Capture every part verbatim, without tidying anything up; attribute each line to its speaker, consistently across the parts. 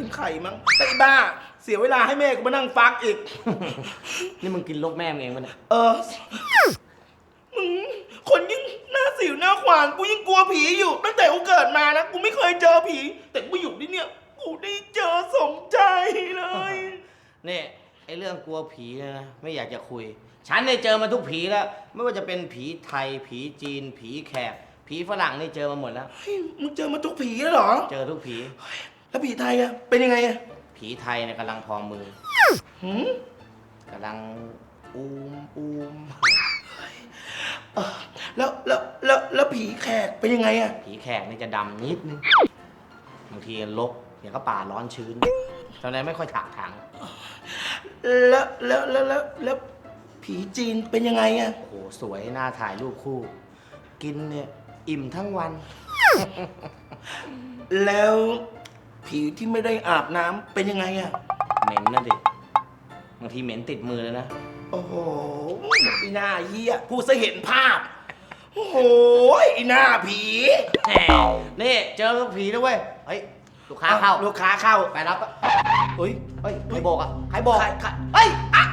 Speaker 1: เป็นไข่มั้งแต่อีบ้าเสียเวลาให้แม่กูมานั่งฟักอีก
Speaker 2: นี่มึงกินลกแม่มึงเองปะเนี่ย
Speaker 1: เออมึงคนยิ่งหน้าสิวหน้าขวานกูยิ่งกลัวผีอยู่ตั้งแต่กูเกิดมานะกูไม่เคยเจอผีแต่กูอยู่ที่เนี่ยกูได้เจอสมใจเลย
Speaker 2: นี่ไอเรื่องกลัวผีเนี่ยนะไม่อยากจะคุย ฉันได้เจอมาทุกผีแล้วไม่ว่าจะเป็นผีไทย ผีจีน ผีแขกผีฝรั่งนี่เจอมาหมดแล้ว
Speaker 1: เฮ้ยมึงเจอมาทุกผีแล้วเหรอ
Speaker 2: เจอทุกผี
Speaker 1: แล้วผีไทยอะเป็นยังไงอะ
Speaker 2: ผีไทยเนี่ยกำลังพองมือ
Speaker 1: หืม
Speaker 2: กำลังอูมอูม
Speaker 1: เออแล้วแล้วแล้วแล้วผีแขกเป็นยังไงอะ
Speaker 2: ผีแขกนี่จะดำนิดนึงบางทีลกอย่างก็ป่าร้อนชื้นตอนนั้นไม่ค่อยถากถาง
Speaker 1: แล้วแล้วแล้วแล้วแล้วผีจีนเป็นยังไงอะ
Speaker 2: โอ้โหสวยน่าถ่ายรูปคู่ กินเนี่ยอิ่มทั้งวัน
Speaker 1: แล้วผีที่ไม่ได้อาบน้ำเป็นยังไงอะ
Speaker 2: เหม็นนะดิบางทีเหม็นติดมือเลยนะ
Speaker 1: โอ้โหไอ้หน้าเหี้ยพูดซะเห็นภาพโอ้โหไอ้หน้าผี
Speaker 2: แหมนี่เจอผีแล้วเว้ย เฮ้ย ลูกค้าเข้า
Speaker 1: ลูกค้าเข้า
Speaker 2: ไปรับอะ
Speaker 1: เฮ้ย
Speaker 2: เฮ้ย ใครบอกอ่ะ ใครบอก
Speaker 1: ใครใคร
Speaker 2: เฮ้ยอ่ะ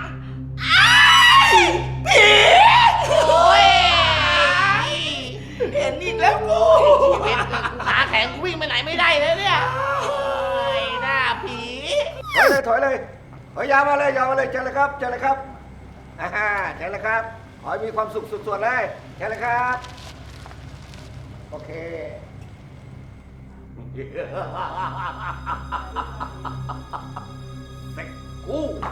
Speaker 1: ผี
Speaker 2: โอ้ย
Speaker 1: เห็นอีกแล้วกู
Speaker 2: ชีวิตขาแข็งกูวิ่งไปไหนไม่ได้เลยเนี่ยโอ้ยหน้าผี
Speaker 3: ถอยเลยถอยเลยถอยยาวมาเลยยาวมาเลยเชิญเลยครับเชิญเลยครับอ่าเชิญเลยครับขอให้มีความสุขสุดๆเลยเชิญเลยครับโอเคเซ็กกู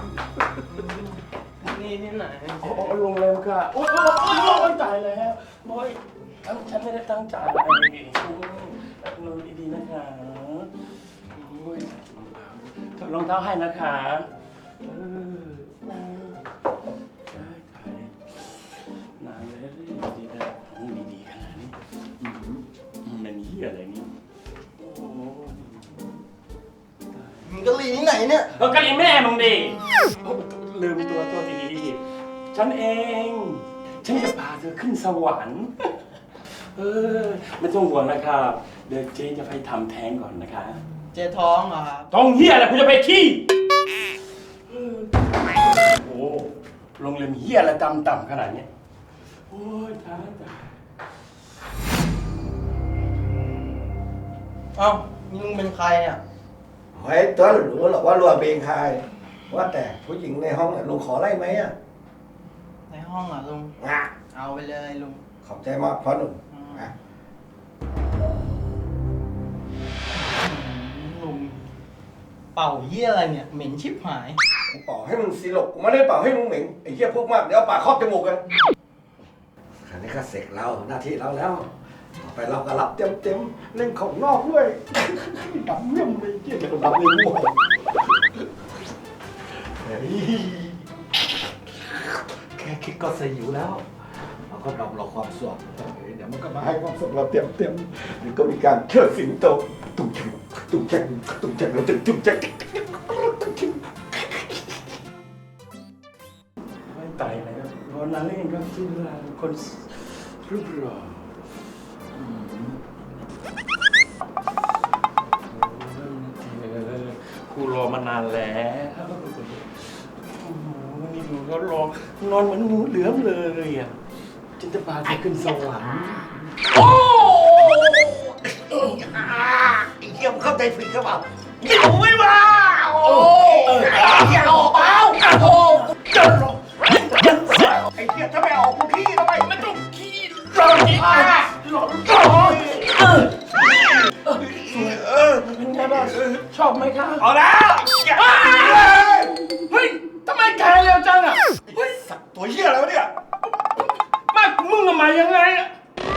Speaker 2: นี่นี่ไหน
Speaker 4: โอ้โรงแรมค่ะโอ้ยโอ้ยโอ้ยตายแล้วบอยทั้งฉันไม่ได้ตั้งใจนอนดีๆนะคะโอ้ยถอดรองเท้าให้นะคะเออตายตายนานเลยดีๆนะดีๆขนาดนี้มันเหี้ยอะไรนี่โอ้โห
Speaker 3: มึงกะหรี่ที่ไหนเนี่ย
Speaker 4: แล้วกะหรี่แม่มึงดิลืมตัวตัวดีฉันเอง ฉันจะพาเธอขึ้นสวรรค์ เออไม่ต้องห่วงนะครับ เดี๋ยวเจ๊จะไปทำแท้งก่อนนะคะ
Speaker 1: เจท้องเหรอครับ
Speaker 4: ท้องเหี้ยอะไรคุณจะไปขี้เออโอ้โรงเรียนเหี้ยอะไรต่ำๆขนาดเนี้ยโอ้ยตายตาย
Speaker 1: เอ้ามึงเป็นใครเนี่ย
Speaker 3: เฮ้ยตัวหรู้หรอกว่ารัวเพลงใครว่าแต่ผู้หญิงในห้องน่ะลุงขอไล่ไหมอ่ะ
Speaker 1: ในห้องเหรอลุง
Speaker 3: งะ
Speaker 1: เอาไปเลยลุง
Speaker 3: ขอบใจมากพ่อหนุ่มอ่ะ
Speaker 1: ลุงเป่าเหี้ยอะไรเนี่ยเหม็นชิบหาย
Speaker 3: กูเป่าให้มึงซีหลกกูไม่ได้เป่าให้มึงเหม็งไอ้เหี้ยพวกมากเดี๋ยวเอาปากครอบจมูกกันคราวนี้ก็เสร็จเราหน้าที่เราแล้วต่อไปเราก็รับเต็มเต็มๆเล่นของนอกด้วย ดำเมี่ยมเลยเจี๊ยบดำเลยมั่วเฮ้ยแค่คิดก็สยิวแล้วเราก็ดำเราความสุขเดี๋ยวมันก็มาให้ความสุขเราเต็มเต็มๆเดี๋ยวก็มีการเชิดสิงโตตุ้งแจงตุ้งแจงตุ้งแจงแล้วตุ้งแจง
Speaker 4: ไม่ตายแล้ววันนั้นเองก็คือคนรูปหล่ออืมกูรอมานานแล้วโอ้โหนี่ดูเขารอนอนเหมือนงูเหลือมเลยอ่ะฉันจะพาเธอขึ้นสวรรค์
Speaker 3: โอ้ไอ้เหี้ยมเข้าใจผิดหรือเปล่าเกี่ยวไม่มาโอ้เกี่ยวเปล่าโอ้เจ้าไอ้เหี้ยถ้าไม่ออกกูขี้ทำไมไม่ต้องขี้รอขี้มาหลอนหลอนเออเออ
Speaker 4: เป็นไงบ้างชอบไหมคะ
Speaker 3: เอาแล้วอย่า
Speaker 4: เฮ้ยทำไมแกเร็วจังอ่ะ
Speaker 3: เฮ้ยสัตว์ตัวเหี้ยอะไรวะเนี่ย
Speaker 4: มากมึงทำไมยังไงอ่ะ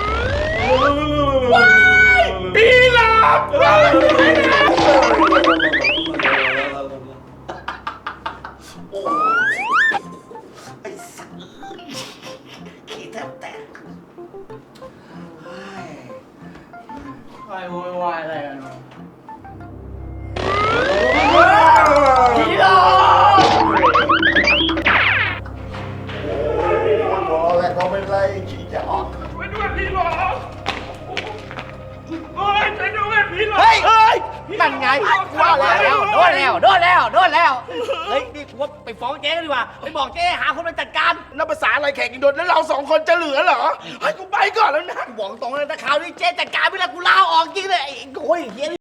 Speaker 4: ปีหลับ
Speaker 3: ไอ้สัตว์ขี้แทบแตก
Speaker 1: ใครโวยวายอะไรกันวะ
Speaker 3: ผีหลอกโอ้ยเขาเป็นไรขี้จะออก
Speaker 4: ไปด้วยพี่หลอกโอ้ยไปด้วยพี่หลอก
Speaker 2: เฮ้ยเฮ้ยนั่นไง
Speaker 3: โดนแล้วโดนแล้วโดนแล้วโดนแล้วเฮ้ยนี่กูว่าไปฟ้องเจ๊กันดีกว่าไปบอกเจ๊หาคนมาจัดการ
Speaker 1: นับภาษาอะไรแขกอีกโดนแล้วเราสองคนจะเหลือเหรอให้กูไปก่อนแล้วนะ
Speaker 3: บอกตรงเลยนะคราวนี้เจ๊จัดการไม่ได้กูลาออกจริงเลยไอ้โอ้ยเฮีย